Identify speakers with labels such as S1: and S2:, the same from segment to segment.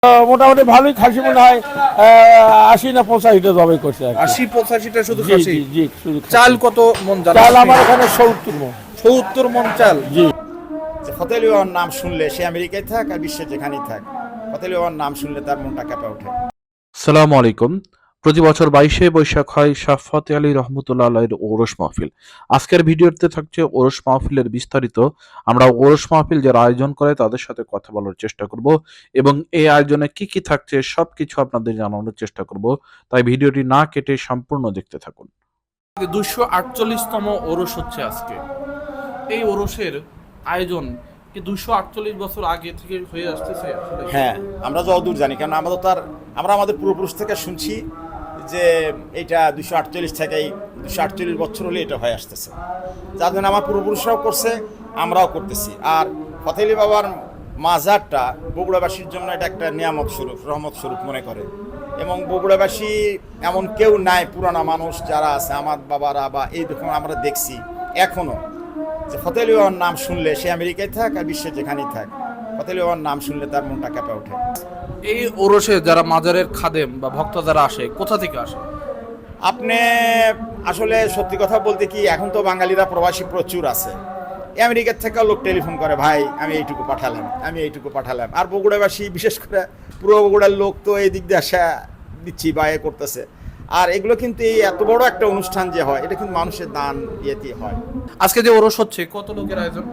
S1: মোটামুটি ভালোই খাসি মনে হয় ৮০ না ৮৫টা জবাই করছে আর কি।
S2: ৮০-৮৫টা শুধু
S1: জি
S2: খাসি।
S1: জি জি শুধু খাসি।
S2: চাল কত মন জানেন?
S1: চাল আমার এখানে ৭০ মণ।
S2: ৭০ মন চাল।
S1: জি
S3: যে ফতেহ আলী বাবার নাম শুনলে সে আমেরিকায় থাক আর বিশ্বে যেখানেই থাক, ফতেহ আলী বাবার নাম শুনলে তার মনটা কেঁপে ওঠে।
S4: আসসালামু আলাইকুম। প্রতি বছর ২২শে বৈশাখ হয় শাহ ফতেহ আলী রহমতুল্লাহ আলাইহির ওরস মাহফিল। আজকের ভিডিওতে থাকছে ওরস মাহফিলের বিস্তারিত। আমরা ওরস মাহফিল যারা আয়োজন করে তাদের সাথে কথা বলার চেষ্টা করব এবং এই আয়োজনে কি কি থাকছে সবকিছু আপনাদের জানানোর চেষ্টা করব। তাই ভিডিওটি না কেটে সম্পূর্ণ দেখতে থাকুন।
S2: ২৪৮তম ওরস হচ্ছে আজকে। এই ওরসের আয়োজন কি ২৪৮ বছর আগে থেকে হয়ে আসতেছে আসলে?
S3: হ্যাঁ, আমরা যতদূর জানি, কারণ আমরা আমাদের পূর্বপুরুষ থেকে শুনছি যে এইটা ২৪৮ থেকেই ২৪৮ বছর হলে এটা হয়ে আসতেছে। যার জন্য আমার পূর্বপুরুষরাও করছে, আমরাও করতেছি। আর ফতেহ আলী বাবার মাজারটা বগুড়াবাসীর জন্য এটা একটা নিয়ামত স্বরূপ, রহমত স্বরূপ মনে করে। এবং বগুড়াবাসী এমন কেউ নাই, পুরানা মানুষ যারা আছে আমার বাবারা বা এই রকম আমরা দেখছি এখনও, যে ফতেহ আলী বাবার নাম শুনলে সে আমেরিকায় থাক আর বিশ্বে যেখানেই থাক, ফতেহ আলী বাবার নাম শুনলে তার মনটা কেঁপে ওঠে।
S2: এই ওরসে যারা মাজারের খাদেম বা ভক্ত যারা আসে, কোথা থেকে আসে?
S3: আপনি আসলে সত্যি কথা বলতে কি, এখন তো বাঙালিরা প্রবাসী প্রচুর আছে। আমেরিকার থেকেও লোক টেলিফোন করে, ভাই আমি এইটুকু পাঠালাম। আর বগুড়াবাসী, বিশেষ করে পুরো বগুড়ার লোক তো এই দিক দিয়ে আসা দিচ্ছি বা এ করতেছে। আর এগুলো কিন্তু এই এত বড় একটা অনুষ্ঠান যে হয়, এটা কিন্তু মানুষের দান ইয়ে দিয়ে হয়।
S2: আজকে যে ওরস হচ্ছে কত লোকের আয়োজন?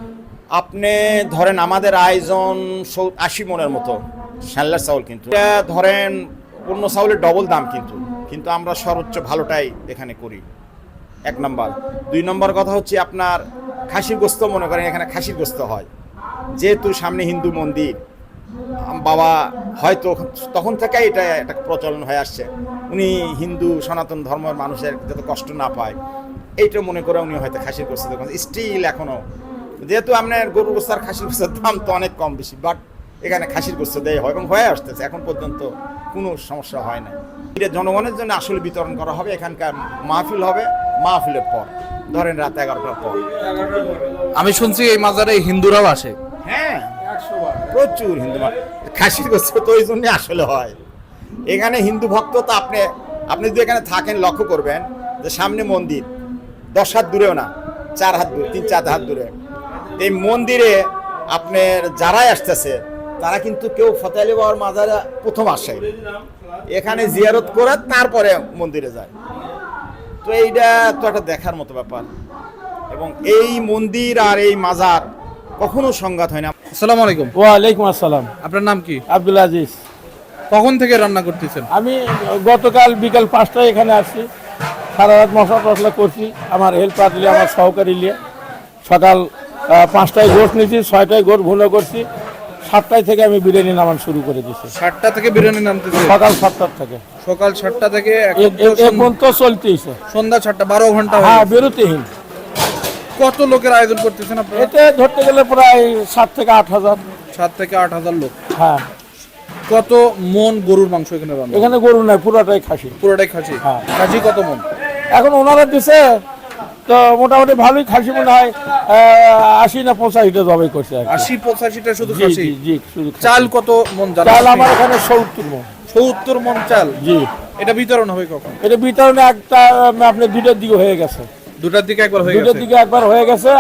S3: আপনি ধরেন আমাদের আয়োজন ৮০ মনের মতো শ্যানলার চাউল, কিন্তু এটা ধরেন অন্য চাউলের ডবল দাম, কিন্তু আমরা সর্বোচ্চ ভালোটাই এখানে করি, ১ নম্বর। ২ নম্বর কথা হচ্ছে আপনার খাসির গোস্ত, মনে করেন এখানে খাসির গোস্ত হয়, যেহেতু সামনে হিন্দু মন্দির, বাবা হয়তো তখন থেকে এটা একটা প্রচলন হয়ে আসছে, উনি হিন্দু সনাতন ধর্মের মানুষের যাতে কষ্ট না পায় এইটা মনে করে উনি হয়তো খাসির গোস্ত দেখুন স্টিল এখনও, যেহেতু আপনার গরুর গোস্ত আর খাসির গোস্তের দাম তো অনেক কম বেশি, বাট এখানে খাসির গোস্ত দেয় হয় এবং হয়ে আসতেছে, এখন পর্যন্ত কোনো সমস্যা হয় না। এটা জনগণের জন্য আসলে বিতরণ করা হবে। এখানকার মাহফিল হবে মাহফিলের পর, ধরেন রাত 11টার পর।
S2: আমি শুনছি এই মাজারে হিন্দুরাও আসে।
S3: হ্যাঁ, প্রচুর হিন্দু খাসির গোস্ত তো ওই জন্যই আসলে হয় এখানে হিন্দু ভক্ত। তো আপনি যদি এখানে থাকেন লক্ষ্য করবেন যে সামনে মন্দির 10 হাত দূরেও না, 4 হাত দূরে, 3-4 হাত দূরে এই মন্দিরে আপনার যারাই আসতেছে তারা কিন্তু কেউ ফতেহ আলী বাবার মাজারে প্রথম আসে, এখানে জিয়ারত করে তারপরে মন্দিরে যায়। তো এইটা তো একটা দেখার মতো ব্যাপার, এবং এই মন্দির আর এই মাজার কখনো সংঘাত হয় না।
S2: আসসালামু আলাইকুম।
S1: ওয়ালাইকুম আসসালাম।
S2: আপনার নাম কি?
S1: আব্দুল আজিজ।
S2: কখন থেকে রান্না করতেছেন?
S1: আমি গতকাল বিকাল 5টায় এখানে আসছি, সারা রাত মশলা করছি, আমার হেল্পার নিয়ে, আমার সহকারী নিয়ে। সকাল 5টায় গোট নিয়েছি, 6টায় গোট ভুনো করছি, 7টায় থেকে আমি বিরিয়ানি নামান শুরু করে দিচ্ছি।
S2: 7টা থেকে বিরিয়ানি নামতেছে?
S1: সকাল 7টার থেকে
S2: সকাল 7টা থেকে
S1: এখন তো চলতেইছে,
S2: সন্ধ্যা 7টা, 12 ঘন্টা।
S1: হ্যাঁ, বিরতিহীন।
S2: কত লোকের আয়োজন করতেছেন আপনারা?
S1: এতে ধরতে গেলে প্রায় 7 থেকে 8 হাজার।
S2: 7 থেকে 8 হাজার লোক।
S1: হ্যাঁ,
S2: কত মন গরুর মাংস এখানে রান্না?
S1: এখানে গরু নাই, পুরোটাই খাসি।
S2: পুরোটাই খাসি?
S1: হ্যাঁ।
S2: খাসি কত মন?
S1: এখন ওনারা দিছে তো মোটামুটি ভালোই খাসি মনে হয় ৮০ না ৮৫টা জবাই করছে আর কি।
S2: ৮০-৮৫টা শুধু
S1: জি
S2: খাসি?
S1: জি জি শুধু খাসি।
S2: চাল কত মন জানেন?
S1: চাল আমার এখানে ৭০ মণ।
S2: ৭০ মন চাল?
S1: জি।
S2: এটা বিতরণ হবে কখন?
S1: এটা বিতরণে একটা আপনি 2টার দিকে হয়ে গেছে।
S2: 2টার দিকে একবার হয়ে
S1: 2টার
S2: গেছে?
S1: দিকে একবার হয়ে গেছে,